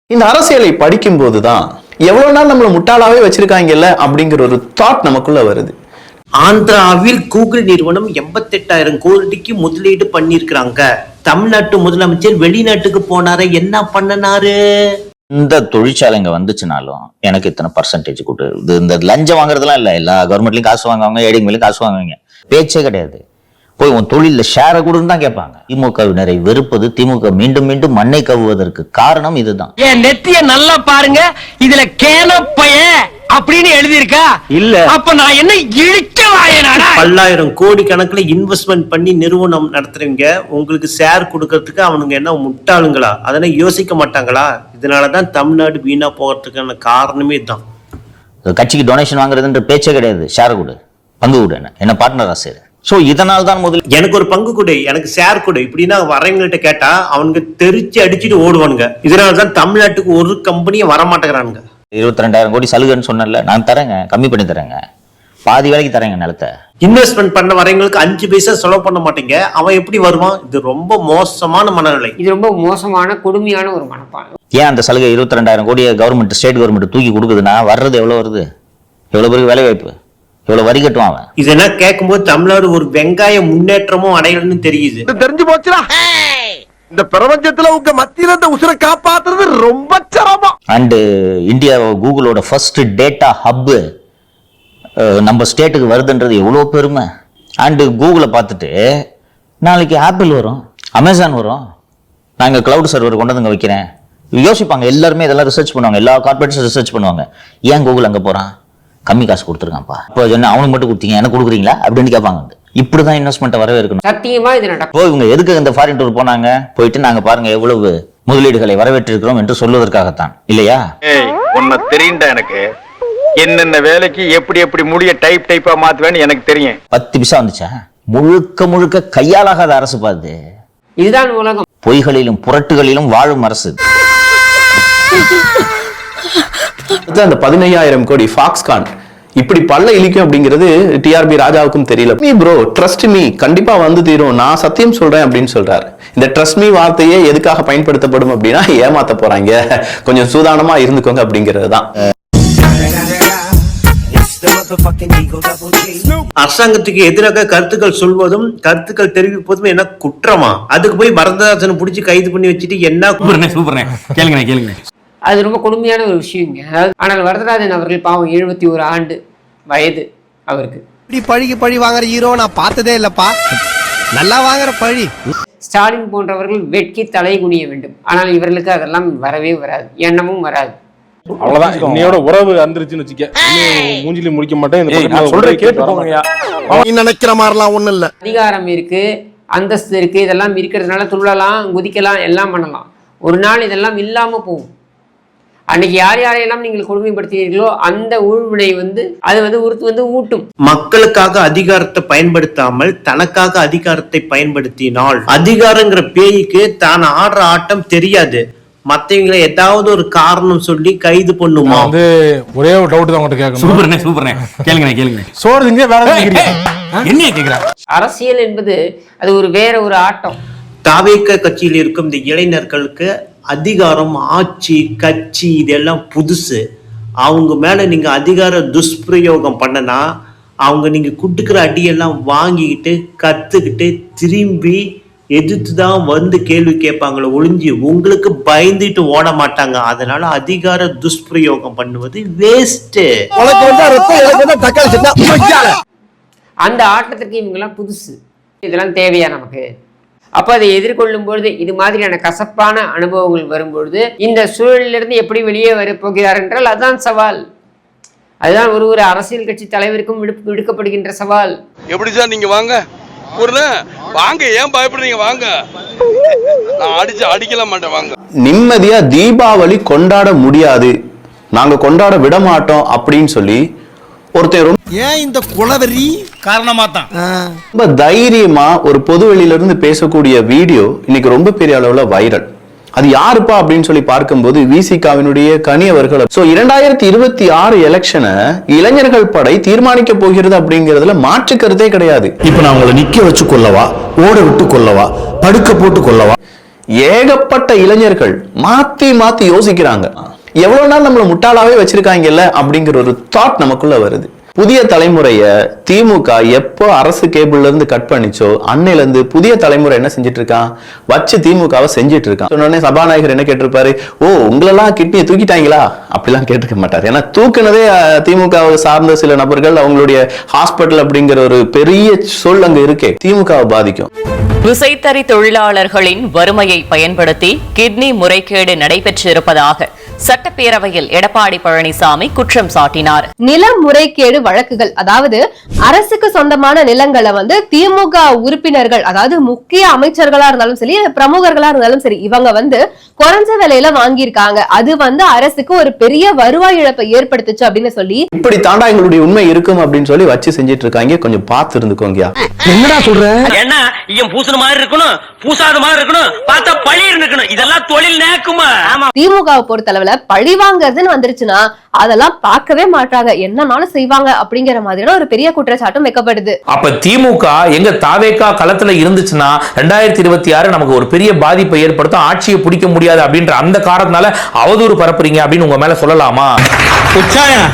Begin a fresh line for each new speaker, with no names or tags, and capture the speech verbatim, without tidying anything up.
இந்த அரசியலை படிக்கும் போதுதான் எவ்வளவு நாள் நம்மள முட்டாளாவே வச்சிருக்காங்கல்ல அப்படிங்கிற ஒரு தாட் நமக்குள்ள வருது.
ஆந்திராவில் கூகுள் நிறுவனம் எண்பத்தி எட்டாயிரம் கோடிக்கு முதலீடு பண்ணிருக்காங்க. தமிழ்நாட்டு முதலமைச்சர் வெளிநாட்டுக்கு போனாரு, என்ன பண்ணனாரு?
இந்த தொழிற்சாலைங்க வந்துச்சுனாலும் எனக்கு இத்தனை பர்சன்டேஜ் கொடு. இந்த லஞ்சம் வாங்குறதுலாம் இல்ல, எல்லா கவர்மெண்ட்லயும் காசு வாங்குவாங்க, ஏடிங் மேலும் காசு வாங்குவாங்க, பேச்சே கிடையாது. போய் உன் தொழில ஷேரை கொடுன்னு தான் கேட்பாங்க. திமுகவினரை வெறுப்பது, திமுக மீண்டும் மீண்டும் மண்ணை கவ்வுவதற்கு காரணம் இதுதான்.
என் நெத்திய நல்லா பாருங்க, இதுல கேனப்பைய அப்படின்னு எழுதியிருக்கா இல்ல, அப்ப நான் என்ன இழிக்கவாயனாடா?
பல்லாயிரம் கோடி கணக்குல இன்வெஸ்ட்மெண்ட் பண்ணி நிறுவனம் நடத்துறீங்க, உங்களுக்கு ஷேர் கொடுக்கறதுக்கு அவனுங்க என்ன முட்டாளுங்களா? அதெல்லாம் யோசிக்க மாட்டாங்களா? இதனாலதான் தமிழ்நாடு வீணா போகிறதுக்கான காரணமே தான்.
கட்சிக்கு டொனேஷன் வாங்குறதுன்ற பேச்சே கிடையாது. ஷேர் கொடு, பங்கு கொடு, என்ன பார்ட்னரா சேரு. சோ இதனால தான் முதல்
எனக்கு ஒரு பங்கு கொடு, எனக்கு ஷேர் கொடு இப்படின்னா வரவங்கள்ட்ட கேட்டா அவனுக்கு தெரிச்சு அடிச்சுட்டு ஓடுவானுங்க. இதனாலதான் தமிழ்நாட்டுக்கு ஒரு கம்பெனியும் வரமாட்டேங்கிறானுங்க.
இருபத்தி ரெண்டாயிரம் கோடி சலுகைன்னு சொன்னல, நான் தரேங்க, கம்மி பண்ணி தரேங்க, பாதி வேலைக்கு தரேங்க நிலத்தை.
இன்வெஸ்ட்மெண்ட் பண்ண வரவங்களுக்கு அஞ்சு பைசா செலவு பண்ண மாட்டீங்க, அவன் எப்படி வருவான்? இது ரொம்ப மோசமான மனநிலை, இது ரொம்ப மோசமான கொடுமையான ஒரு மனப்பான்மை.
ஏன் அந்த சலுகை இருபத்தி ரெண்டாயிரம் கோடியை கவர்மெண்ட் ஸ்டேட் கவர்மெண்ட் தூக்கி கொடுக்குதுன்னா வர்றது எவ்வளவு வருது? எவ்வளவு பேருக்கு வேலை வாய்ப்பு, எவ்வளவு வரி கட்டுவான் அவன்?
இதெல்லாம் கேட்கும்போது தமிழ்நாடு ஒரு வெங்காய முன்னேற்றமும் அடையலன்னு தெரியுது.
தெரிஞ்சு போச்சுடா, இந்த பிரபஞ்சத்துல உங்க மத்தியில இந்த உசுரை காப்பாத்துறது ரொம்ப சிரமம்.
அண்ட் இந்தியா கூகுளோட ஃபர்ஸ்ட் டேட்டா ஹப் நம்ம ஸ்டேட்டுக்கு வருதுன்றது எவ்வளோ பெருமை. அண்டு கூகுளை பார்த்துட்டு நாளைக்கு ஆப்பிள் வரும், அமேசான் வரும், நாங்கள் கிளவுட் சர்வர் கொண்டு வந்து வைக்கிறேன் யோசிப்பாங்க. எல்லாருமே இதெல்லாம் ரிசர்ச் பண்ணுவாங்க, எல்லா கார்பரேட்ஸும் ரிசர்ச் பண்ணுவாங்க. ஏன் கூகுள் அங்கே போகிறான்? கம்மி காசு கொடுத்துருக்கான்ப்பா, இப்போ என்ன அவனுக்கு மட்டும் கொடுத்தீங்க, எனக்கு கொடுக்குறீங்களா அப்படின்னு கேட்பாங்க. இப்படிதான் இன்வெஸ்ட்மெண்ட் வரவே இருக்கணும்.
சத்தியமா இது நடக்கும்.
இவங்க எதுக்கு இந்த ஃபாரின் டூர் போனாங்க? போயிட்டு நாங்க பாருங்க எவ்வளவு முதலீடுகளை வரவேற்றிருக்கிறோம் என்று சொல்வதற்காகத்தான், இல்லையா?
உன்னை தெரியுண்டா எனக்கு, என்னென்ன வேலைக்கு எப்படி எப்படி முடிய டைப் டைப்பா மாத்துவேன்னு எனக்கு தெரியும்.
பத்து பிசா வந்துச்சா? முழுக்க முழுக்க கையாலாகாத அரசு பாது.
இதுதான் உலகம்.
பொய்களிலும் புரட்டுகளிலும் வாழும் அரசு.
அந்த பதினையாயிரம் கோடி ஃபாக்ஸ்கான் இப்படி பல்ல இழிக்கும் அப்படிங்கிறது டிஆர்பி ராஜாவுக்கும் தெரியல. நீ ப்ரோ ட்ரஸ்ட் மீ, கண்டிப்பா வந்து தீரும், நான் சத்தியம் சொல்றேன் அப்படின்னு சொல்றாரு. இந்த ட்ரஸ்ட் மீ வார்த்தையே எதுக்காக பயன்படுத்தப்படும் அப்படின்னா ஏமாத்த போறாங்க, கொஞ்சம் சூதானமா இருந்துக்கோங்க அப்படிங்கிறது தான்.
அரசாங்கத்துக்கு எதிராக கருத்துக்கள் சொல்வதும் கருத்துக்கள் தெரிவிப்பதும் என்ன குற்றமா? அதுக்கு போய் வரதராஜனை பிடிச்சி கைது பண்ணி வச்சுட்டு என்ன?
கேளுங்க கேளுங்க,
அது ரொம்ப கொடுமையான ஒரு விஷயங்க. ஆனால் வரதராஜன் அவர்கள் பாவம் எழுபத்தி ஒரு ஆண்டு வயது அவருக்கு.
இப்படி பழிக்கு பழி வாங்குற ஹீரோ நான் பார்த்ததே இல்லப்பா, நல்லா வாங்குற பழி.
ஸ்டாலின் போன்றவர்கள் வெட்கி தலை குனிய வேண்டும். ஆனால் இவர்களுக்கு அதெல்லாம் வரவே வராது, எண்ணமும் வராது.
அவ்வளவுதான், இன்னையோட உறவு வந்துருச்சுன்னு வச்சுக்க, மூஞ்சில முடிக்க மாட்டேன் சொல்றேன், கேட்டுக்கோங்கயா.
நீ நினைக்கிற மாதிரிலாம் ஒண்ணும் இல்ல.
அதிகாரம் இருக்கு, அந்தஸ்து இருக்கு, இதெல்லாம் இருக்கிறதுனால துள்ளலாம், குதிக்கலாம், எல்லாம் பண்ணலாம். ஒரு நாள் இதெல்லாம் இல்லாம போகும். அன்னைக்கு யார் யாரையெல்லாம் நீங்கள் கொடுமைப்படுத்துகிறீர்களோ அந்த ஊழ்வினை வந்து அது வந்து உறுத்து வந்து ஊட்டும்.
மக்களுக்காக அதிகாரத்தை பயன்படுத்தாமல் தனக்காக அதிகாரத்தை பயன்படுத்தினால் அதிகாரங்கிற பேய்க்கு தான் ஆடுற ஆட்டம் தெரியாது. மத்தவங்களை ஏதாவது ஒரு காரணம் சொல்லி கைது பண்ணுமா?
வந்து ஒரே ஒரு டவுட் தான் உங்ககிட்ட கேட்கணும்.
சூப்பர்னே சூப்பர்னே, கேளுங்க கேளுங்க.
சோறு திங்க வேற என்ன கேக்குறா?
அரசியல் என்பது அது ஒரு வேற ஒரு ஆட்டம்.
தாவேக கட்சியில் இருக்கும் இந்த இளைஞர்களுக்கு அதிகாரம், ஆட்சி, கட்சி இதெல்லாம் புதுசு. அவங்க மேல நீங்க அதிகார துஷ்பிரயோகம் பண்ணனா அவங்க நீங்க குட்டுக்கிற அடியெல்லாம் வாங்கிக்கிட்டு கத்துக்கிட்டு திரும்பி எதிர்த்து தான் வந்து கேள்வி கேட்பாங்களோ ஒளிஞ்சு உங்களுக்கு பயந்துட்டு ஓட மாட்டாங்க. அதனால அதிகார துஷ்பிரயோகம் பண்ணுவது வேஸ்ட்.
அந்த ஆட்டத்திற்கு இவங்கெல்லாம் புதுசு, இதெல்லாம் தேவையா நமக்கு? அப்போ அதை எதிர்கொள்ளும் பொழுது இது மாதிரியான கசப்பான அனுபவங்கள் வரும்பொழுது இந்த சூழலிலிருந்து எப்படி வெளியே வரப்போகிறார் என்றால் அதுதான் சவால். அதுதான் ஒரு ஒரு அரசியல் கட்சி தலைவருக்கும் விடுக்கப்படுகின்ற சவால்.
எப்படி சார் நீங்க வாங்க வாங்க, ஏன் பயப்படுறீங்க? வாங்க, நான் அடிச்சு அடிக்கல மாட்டேன், வாங்க.
நிம்மதியா தீபாவளி கொண்டாட முடியாது, நாங்க கொண்டாட விட மாட்டோம் அப்படின்னு சொல்லி ஒருத்தர்
ஏன் இந்த குலவெறி காரணமா தான்
ரொம்ப தைரியமா ஒரு பொது வெளியில இருந்து பேசக்கூடிய வீடியோ இன்னைக்கு ரொம்ப பெரிய அளவுல வைரல். அது யாருப்பா அப்படின்னு சொல்லி பார்க்கும்போது விசிகாவினுடைய கனி அவர்கள். சோ இரண்டாயிரத்தி இருபத்தி ஆறு எலெக்ஷனை இளைஞர்கள் படை தீர்மானிக்க போகிறது அப்படிங்கிறதுல மாற்று கருத்தே கிடையாது.
இப்ப நான் உங்களை நிக்க வச்சு கொள்ளவா, ஓட விட்டு கொள்ளவா, படுக்க போட்டு கொள்ளவா?
ஏகப்பட்ட இளைஞர்கள் மாத்தி மாத்தி யோசிக்கிறாங்க. எவ்வளவு நாள் நம்மள முட்டாளாவே வச்சிருக்காங்கல்ல அப்படிங்கிற ஒரு தாட் நமக்குள்ள வருது. புதிய தலைமுறைய திமுக எப்போ அரசு கேபிள்ல இருந்து கட் பண்ணிச்சோ அன்னையில இருந்து புதிய தலைமுறை என்ன செஞ்சிட்டு இருக்கான், வச்சு திமுகவை செஞ்சிட்டு இருக்கான். சொன்னோடனே சபாநாயகர் என்ன கேட்டிருப்பாரு, ஓ உங்களெல்லாம் கிட்னியை தூக்கிட்டாங்களா அப்படிலாம் கேட்டுக்க மாட்டார். ஏன்னா தூக்குனதே திமுகவை சார்ந்த சில நபர்கள், அவங்களுடைய ஹாஸ்பிட்டல் அப்படிங்கிற ஒரு பெரிய சொல் அங்க இருக்கே, திமுகவை பாதிக்கும்.
விசைத்தறி தொழிலாளர்களின் வறுமையை பயன்படுத்தி கிட்னி முறைகேடு நடைபெற்றிருப்பதாக சட்டப்பேரவையில் எடப்பாடி பழனிசாமி குற்றம் சாட்டினார்.
நில முறைகேடு வழக்குகள், அதாவது அரசுக்கு சொந்தமான நிலங்களை வந்து திமுக உறுப்பினர்கள், அதாவது முக்கிய அமைச்சர்களா இருந்தாலும் சரி, பிரமுகர்களா இருந்தாலும் சரி, இவங்க வந்து குறைஞ்ச விலையில வாங்கியிருக்காங்க. அது வந்து அரசுக்கு ஒரு பெரிய வருவாய் இழப்பை ஏற்படுத்துச்சு அப்படின்னு சொல்லி,
இப்படி தாண்டா எங்களுடைய உண்மை இருக்கும் அப்படின்னு சொல்லி வச்சு செஞ்சிட்டு இருக்காங்க. கொஞ்சம் பார்த்து இருந்துக்கோங்க.
என்னடா சொல்ற? என்ன இவன் பூசுன மாதிரி இருக்கணும், பூசாத மாதிரி இருக்கணும், பார்த்தா பழி இருக்கணும், இதெல்லாம் தொழில் நேக்குமா?
திமுகவை பொறுத்தளவுல பழி வாங்குறதுன்னு வந்துருச்சுன்னா அதெல்லாம் பார்க்கவே மாட்டாங்க, என்னன்னாலும் செய்வாங்க அப்படிங்கிற மாதிரியான ஒரு பெரிய குற்றச்சாட்டும் வைக்கப்படுது.
அப்ப திமுக எங்க தாவேகா களத்துல இருந்துச்சுன்னா ரெண்டாயிரத்தி இருபத்தி ஆறு நமக்கு ஒரு பெரிய பாதிப்பை ஏற்படுத்தும், ஆட்சியை பிடிக்க முடியாது அப்படின்ற அந்த காரணத்தினால அவதூறு பரப்புறீங்க அப்படின்னு உங்க மேல சொல்லலாமா?